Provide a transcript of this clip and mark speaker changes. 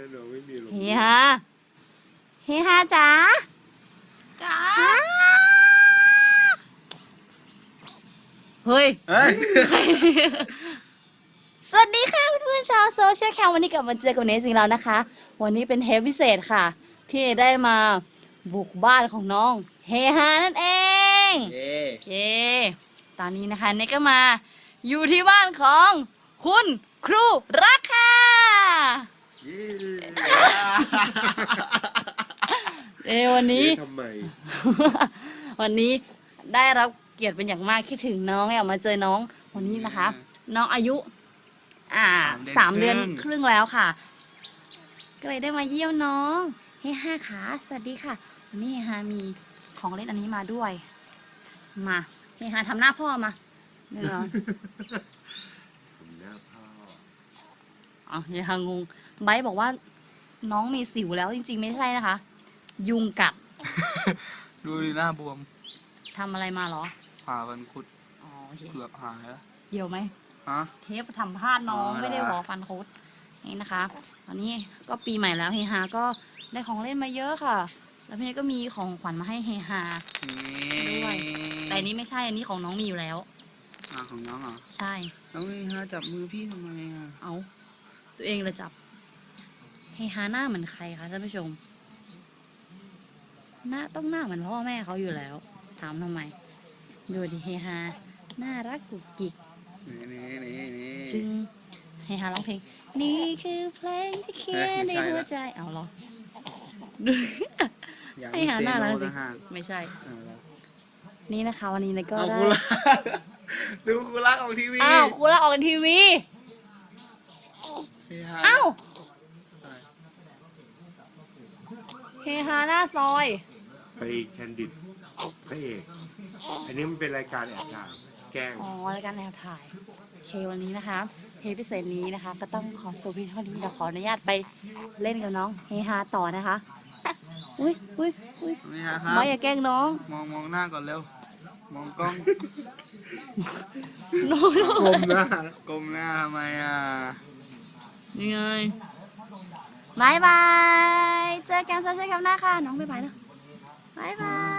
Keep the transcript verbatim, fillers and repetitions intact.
Speaker 1: น้องไม่มีลม
Speaker 2: เฮฮาเฮฮาจ๋าจ๋าเฮ้ย
Speaker 1: เฮ้ย
Speaker 2: สวัสดีค่ะเพื่อนๆชาวโซเชียลแคมวันนี้กลับมาเจอกับเนสอีกแล้วนะคะ วันนี้เป็นเทปพิเศษค่ะ ที่ได้มาบุกบ้านของน้องเฮฮานั่นเอง
Speaker 1: เย่
Speaker 2: เย้ตอนนี้นะคะเนสก็มาอยู่ที่บ้านของคุณครูรักค่ะ
Speaker 1: เย่
Speaker 2: เอ้วันนี้
Speaker 1: ทำไม
Speaker 2: วันนี้ได้รับเกียรติเป็นอย่างมากคิดถึงน้องอยากมาเจอน้องวันนี้นะคะ น้องอายุ อ่าสามเดือนครึ่งแล้วค่ะ ก็เลยได้มาเยี่ยมน้องเฮ้ห้าขาสวัสดีค่ะวันนี้เฮฮามีของเล่นอันนี้มาด้วย มาเฮฮาทำหน้าพ่อมาเดี๋ยว
Speaker 1: ผมหน้าพ่อ
Speaker 2: อ๋อเฮฮางงไบร์ทบอกว่าน้องมีสิวแล้วจริงๆไม่ใช่นะคะ ยุงกัด
Speaker 3: ดูดิหน้าบวม
Speaker 2: ทำอะไรมาเหรอ
Speaker 3: ผ่าฟันคุด
Speaker 2: อ๋อโอเค
Speaker 3: เกือบหายแล้ว
Speaker 2: เดี๋ยวไหม
Speaker 3: ฮะ
Speaker 2: เทปทำพลาดน้อง
Speaker 3: อ๋อ
Speaker 2: ไม่ได้หวอฟันคุดนี่นะคะตอนนี้ก็ปีใหม่แล้วเฮฮาก็ได้ของเล่นมาเยอะค่ะ แล้วพี่ก็มีของขวัญมาให้เฮฮา ด้วย แต่อันนี้ไม่ใช่อันนี้ของน้องมีอยู่แล้ว
Speaker 3: อ่าของน้องเหรอ
Speaker 2: ใช่
Speaker 3: น้องนี่ฮะจับมือพี่ทำไมอ่ะ
Speaker 2: เอาตัวเองเลยจับเฮฮาหน้าเหมือนใครคะท่านผู้ชม หน้าต้องหน้าเหมือนพ่อแม่เขาอยู่แล้ว ถามทำไมดูดิเฮฮาน่ารักกุกกิก
Speaker 3: นี่นี่นี่นี่
Speaker 2: จึงเฮฮาร้องเพลงนี่คือเพลงที่เขียนในหัวใจเอาเหรอดู
Speaker 3: อยาก
Speaker 2: ให้
Speaker 3: มี
Speaker 2: หา
Speaker 3: เซ
Speaker 2: หน้า
Speaker 3: โน
Speaker 2: ร้านสิ
Speaker 3: นะฮะ
Speaker 2: ไม่ใช่
Speaker 3: เอาละ
Speaker 2: นี่นะคะวันนี้เนยก็
Speaker 3: เอา
Speaker 2: ได้
Speaker 3: ครูรัก ดูครูรักออกทีวี
Speaker 2: อ้าวครูละออกทีวี
Speaker 3: เฮฮา
Speaker 2: อ้าวเฮฮาหน้าซอย
Speaker 1: ไปแคนดิดพระเอกอันนี้มันเป็นรายการแอบถ่ายแกล้ง
Speaker 2: อ๋อรายการแอบถ่ายโอเควันนี้นะคะเทปพิเศษนี้นะคะ ก็ต้องขอจบเพียงเท่านี้เดี๋ยวขออนุญาตไปเล่นกับน้องเฮฮาต่อนะคะอุ้ยอุ้ยอุ้ย
Speaker 3: นี่ฮะครับ
Speaker 2: ไม่อย่าแกล้งน้อง
Speaker 3: มองมองหน้าก่อนเร็ว มองกล้อง
Speaker 2: น้องน้อง
Speaker 1: กลมหน้า
Speaker 3: ก้มหน้าทำไมอ่ะ
Speaker 2: ยังไงบายบายเจอกันโซเชียลแคมหน้าค่ะน้องบ๊ายบายแล้วบายบาย